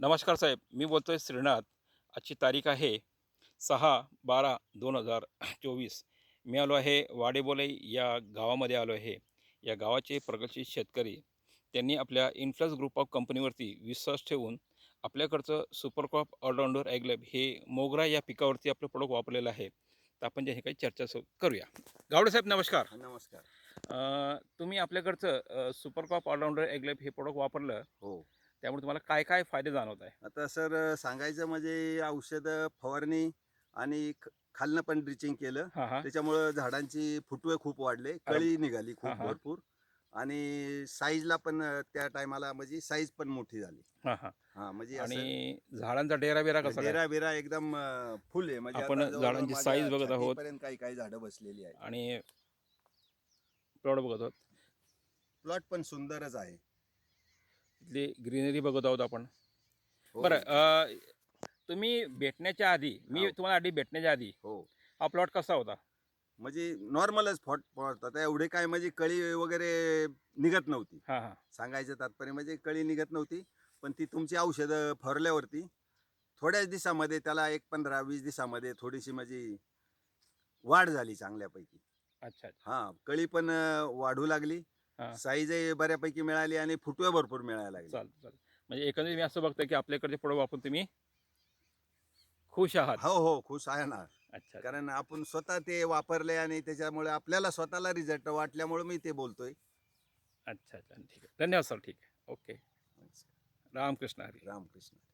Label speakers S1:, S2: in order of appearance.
S1: नमस्कार साहेब, मी बोलतोय श्रीनाथ. आजची तारीख आहे 6/12/2024. मी आलो आहे वाडेबोलाई या गावामध्ये आलो आहे. या गावाचे प्रगतशील शेतकरी त्यांनी आपल्या इन्फ्लुएन्स ग्रुप ऑफ कंपनीवरती विश्वास ठेवून आपल्याकडचं सुपर क्रॉप ऑलराऊंडर ॲग्लेब हे मोगरा या पिकावरती आपलं प्रोडक्ट वापरलेलं आहे. तर आपण जे हे काही चर्चा करूया. गावडे साहेब नमस्कार.
S2: नमस्कार.
S1: तुम्ही आपल्याकडचं सुपर क्रॉप ऑलराऊंडर ॲग्लेब हे प्रोडक्ट वापरलं,
S2: हो.
S1: त्यामुळे तुम्हाला काय काय फायदे जाणवत आहे?
S2: आता सर सांगायचं म्हणजे औषधं, फवारणी आणि खालनं पण ड्रिचिंग केलं.
S1: हां, हां.
S2: त्याच्यामुळं झाडांची फुटवे खूप वाढले,
S1: अरे
S2: कळी निघाली
S1: हां,
S2: खूप
S1: हां.
S2: भरपूर आणि साईजला पण त्या टायमाला म्हणजे साईज पण मोठी झाली.
S1: हां, हां.
S2: हां, म्हणजे
S1: आणि
S2: असं
S1: झाडांचा डेरा-बिरा कसा काय?
S2: डेरा-बिरा एकदम फुल आहे. म्हणजे
S1: आपण
S2: आता जवळ-जवळ
S1: झाडांची
S2: माझ्या
S1: साईज बघत आहोत
S2: छातीपर्यंत काही झाडं बसलेली आहेत.
S1: आणि प्लॉट बघत आहोत.
S2: प्लॉट पण सुंदरच आहे.
S1: तिथली ग्रीनरी बघत आहोत आपण.
S2: हो,
S1: बरं तुम्ही भेटण्याच्या आधी मी
S2: हो,
S1: तुम्हाला आधी भेटण्याच्या आधी
S2: हो.
S1: हा प्लॉट कसा होता?
S2: म्हणजे नॉर्मलच फॉट आता एवढे काय म्हणजे कळी वगैरे निघत नव्हती.
S1: हां, हां.
S2: सांगायचं तात्पर्य म्हणजे कळी निघत नव्हती. पण ती तुमची औषधं फवारल्यावरती थोड्याच दिवसामध्ये त्याला एक 15-20 दिवसामध्ये थोडीशी माझी वाढ झाली चांगल्यापैकी.
S1: अच्छा, अच्छा.
S2: हां, कळी पण वाढू लागली.
S1: हां.
S2: साईजही बऱ्यापैकी मिळाली आणि फुटवे भरपूर मिळायला लागले.
S1: चालतं, चालतं. म्हणजे एकंदरीत मी असं बघतोय की आपल्याकडचे प्रोडक्ट वापरून तुम्ही खुश आहात.
S2: हो, हो. खुश आहे ना.
S1: अच्छा, अच्छा.
S2: कारण आपण स्वतः ते वापरले आणि त्याच्यामुळे आपल्याला स्वतःला रिझल्ट वाटल्यामुळे मी ते बोलतोय.
S1: अच्छा, अच्छा. ठीक आहे. धन्यवाद सर. ठीक आहे. ओके. रामकृष्ण हरी.
S2: रामकृष्ण.